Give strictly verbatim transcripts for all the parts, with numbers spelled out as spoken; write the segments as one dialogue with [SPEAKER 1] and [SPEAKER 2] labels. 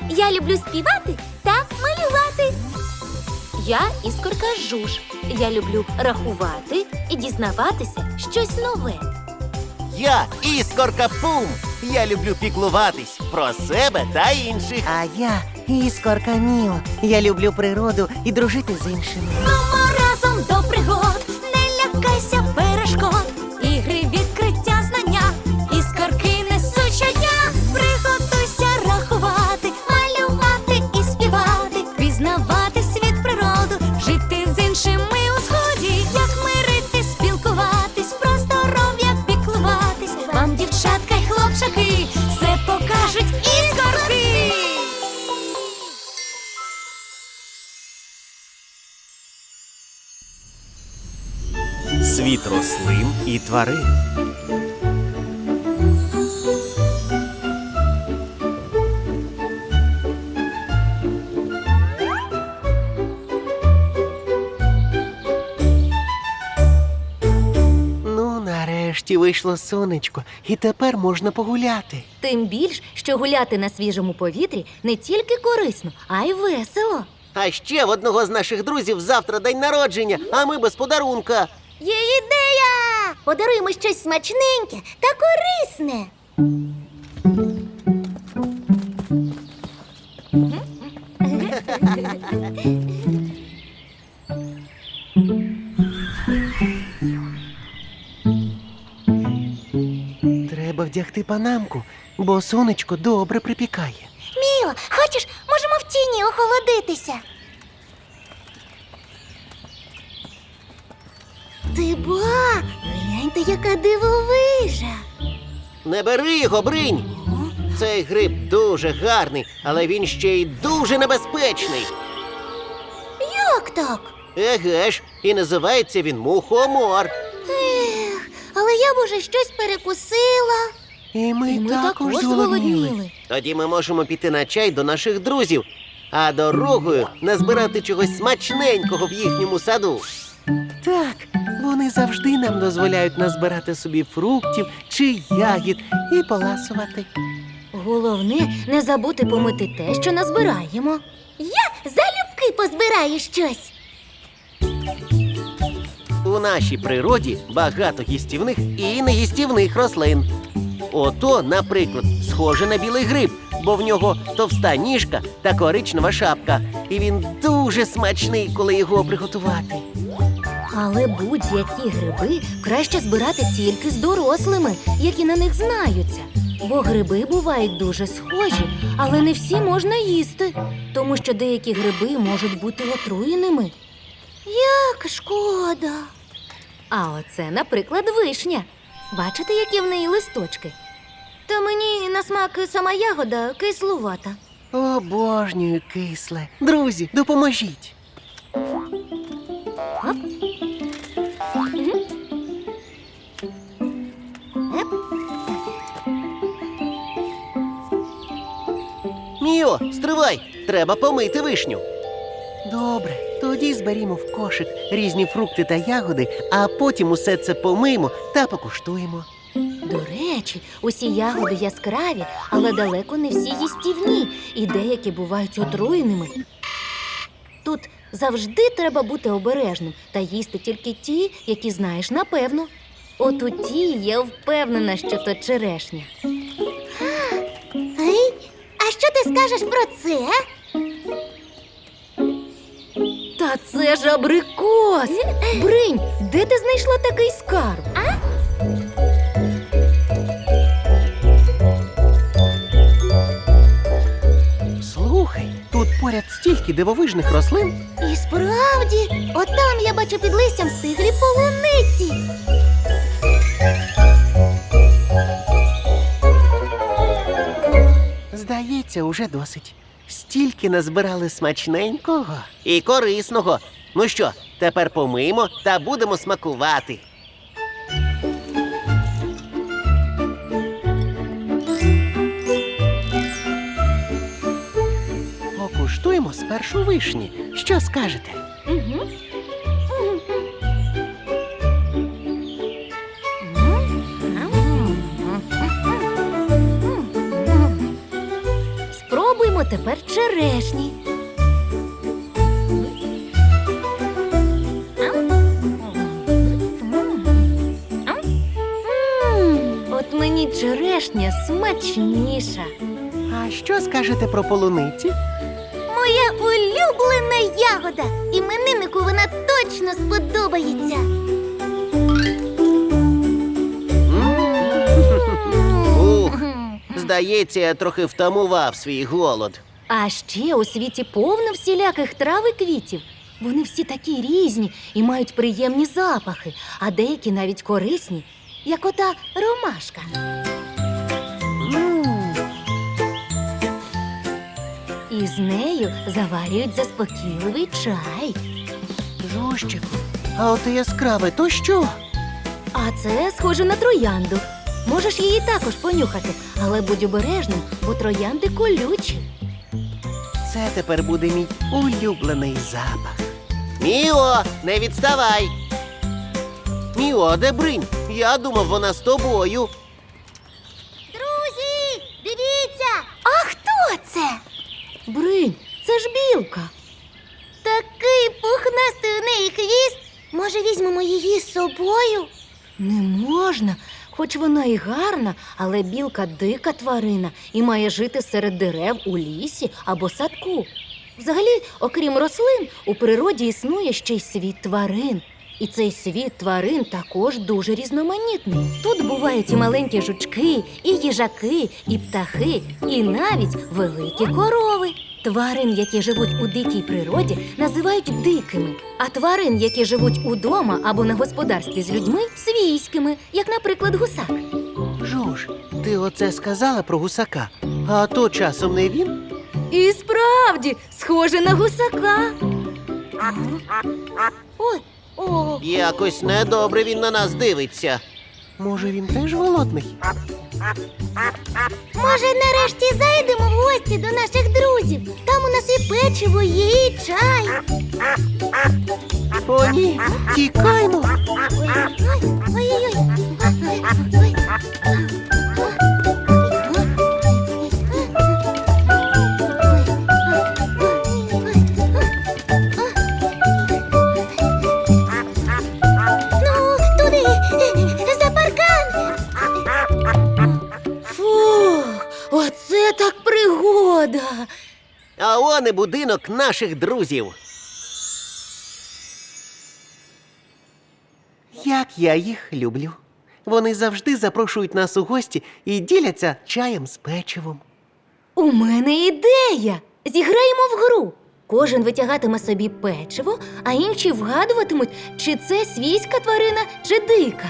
[SPEAKER 1] Я люблю співати та малювати. Я Іскорка Жуж. Я люблю рахувати і дізнаватися щось нове.
[SPEAKER 2] Я Іскорка Пум. Я люблю піклуватись про себе та інших.
[SPEAKER 3] А я Іскорка Міо. Я люблю природу і дружити з іншими.
[SPEAKER 1] Мамо, разом до пригод, не лякайся перешкод. Ігри, відкриття, знання, іскорки несуть щодня. Приготуйся рахувати, малювати і співати, пізнавати світ, природу, жити з іншими у згоді. Як мирити, спілкуватись, про здоров'я піклуватись. Вам, дівчатка й хлопчаки, все покажуть іскорки.
[SPEAKER 2] Світ рослин і тварин.
[SPEAKER 3] Ну, нарешті вийшло сонечко, і тепер можна погуляти.
[SPEAKER 1] Тим більш, що гуляти на свіжому повітрі не тільки корисно, а й весело.
[SPEAKER 3] А ще в одного з наших друзів завтра день народження, а ми без подарунка.
[SPEAKER 1] Є ідея! Подаруємо щось смачненьке та корисне.
[SPEAKER 3] Треба вдягти панамку, бо сонечко добре припікає.
[SPEAKER 1] Міло, хочеш, можемо в тіні охолодитися. Ти ба, гляньте, яка дивовижа.
[SPEAKER 3] Не бери його, Бринь! Цей гриб дуже гарний, але він ще й дуже небезпечний.
[SPEAKER 1] Як так?
[SPEAKER 3] Еге ж, і називається він мухомор.
[SPEAKER 1] Ех, але я б уже щось перекусила.
[SPEAKER 3] І ми,
[SPEAKER 1] І ми також зголодніли.
[SPEAKER 3] Тоді ми можемо піти на чай до наших друзів, а дорогою назбирати чогось смачненького в їхньому саду. Так, вони завжди нам дозволяють назбирати собі фруктів чи ягід і поласувати.
[SPEAKER 1] Головне, не забути помити те, що назбираємо. Я залюбки позбираю щось.
[SPEAKER 3] У нашій природі багато їстівних і неїстівних рослин. Ото, наприклад, схоже на білий гриб, бо в нього товста ніжка та коричнева шапка. І він дуже смачний, коли його приготувати.
[SPEAKER 1] Але будь-які гриби краще збирати тільки з дорослими, які на них знаються. Бо гриби бувають дуже схожі, але не всі можна їсти, тому що деякі гриби можуть бути отруєними. Як шкода. А оце, наприклад, вишня. Бачите, які в неї листочки? Та мені на смак сама ягода кислувата.
[SPEAKER 3] Обожнюю кисле. Друзі, допоможіть.
[SPEAKER 1] Оп. Мгм. Еп.
[SPEAKER 3] Міо, стривай! Треба помити вишню. Добре, тоді зберімо в кошик різні фрукти та ягоди, а потім усе це помиємо та покуштуємо.
[SPEAKER 1] До речі, усі ягоди яскраві, але далеко не всі їстівні, і деякі бувають отруєними. Тут завжди треба бути обережним та їсти тільки ті, які знаєш напевно. От у тій я впевнена, що то черешня. Ей, а що ти скажеш про це? Та це ж абрикос! Бринь, де ти знайшла такий скарб? А?
[SPEAKER 3] Слухай, тут поряд стільки дивовижних рослин.
[SPEAKER 1] І справді, отам я бачу під листям стиглі полуниці.
[SPEAKER 3] Здається, уже досить. Стільки назбирали смачненького і корисного. Ну що, тепер помиємо та будемо смакувати. Покуштуємо спершу вишні. Що скажете?
[SPEAKER 1] Угу. Спробуймо тепер черешні. М, От мені черешня смачніша.
[SPEAKER 3] А що скажете про полуниці?
[SPEAKER 1] Моя улюблена ягода. Імениннику вона точно сподобається.
[SPEAKER 3] Ух, здається, я трохи втамував свій голод.
[SPEAKER 1] А ще у світі повно всіляких трав і квітів. Вони всі такі різні і мають приємні запахи, а деякі навіть корисні, як ота ромашка.
[SPEAKER 3] М,
[SPEAKER 1] І з нею заварюють заспокійливий чай.
[SPEAKER 3] Жужчику, а оте яскраве, то що?
[SPEAKER 1] А це схоже на троянду. Можеш її також понюхати, але будь обережним, бо троянди колючі.
[SPEAKER 3] Це тепер буде мій улюблений запах. Міо, не відставай! Міо, де Бринь? Я думав, вона з тобою.
[SPEAKER 1] Друзі, дивіться! А хто це? Бринь, це ж білка. Такий пухнастий у неї хвіст. Може, візьмемо її з собою? Не можна. Хоч вона і гарна, але білка дика тварина і має жити серед дерев у лісі або садку. Взагалі, окрім рослин, у природі існує ще й світ тварин. І цей світ тварин також дуже різноманітний. Тут бувають і маленькі жучки, і їжаки, і птахи, і навіть великі корови. Тварин, які живуть у дикій природі, називають дикими, а тварин, які живуть удома або на господарстві з людьми, свійськими, як, наприклад, гусак.
[SPEAKER 3] Жуж, ти оце сказала про гусака, а то часом не він?
[SPEAKER 1] І справді, схоже на гусака. Ой, о,
[SPEAKER 3] Якось недобре він на нас дивиться. Може, він теж голодний?
[SPEAKER 1] може, нарешті зайдемо в гості до наших друзів. Там у нас і печиво є, і чай.
[SPEAKER 3] О, ні, тікаймо!
[SPEAKER 1] Ой-ой-ой. Ну, туди, за паркан. Фух, оце так пригода.
[SPEAKER 3] А он і будинок наших друзів. Як я їх люблю. Вони завжди запрошують нас у гості і діляться чаєм з печивом.
[SPEAKER 1] У мене ідея. Зіграємо в гру. Кожен витягатиме собі печиво, а інші вгадуватимуть, чи це свійська тварина, чи дика.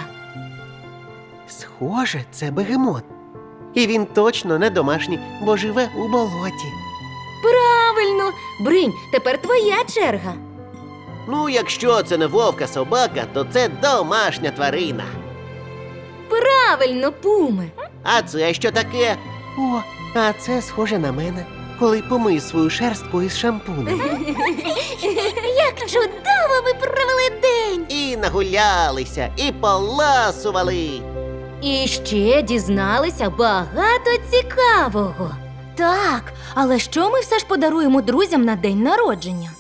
[SPEAKER 3] Схоже, це бегемот. І він точно не домашній, бо живе у болоті.
[SPEAKER 1] Правильно! Бринь, тепер твоя черга.
[SPEAKER 3] Ну, якщо це не вовка собака, то це домашня тварина.
[SPEAKER 1] Правильно, Пуме.
[SPEAKER 3] А це що таке? О, а це схоже на мене, коли помию свою шерстку із шампунем.
[SPEAKER 1] Як чудово ви провели день!
[SPEAKER 3] І нагулялися, і поласували.
[SPEAKER 1] І ще дізналися багато цікавого. Так, але що ми все ж подаруємо друзям на день народження?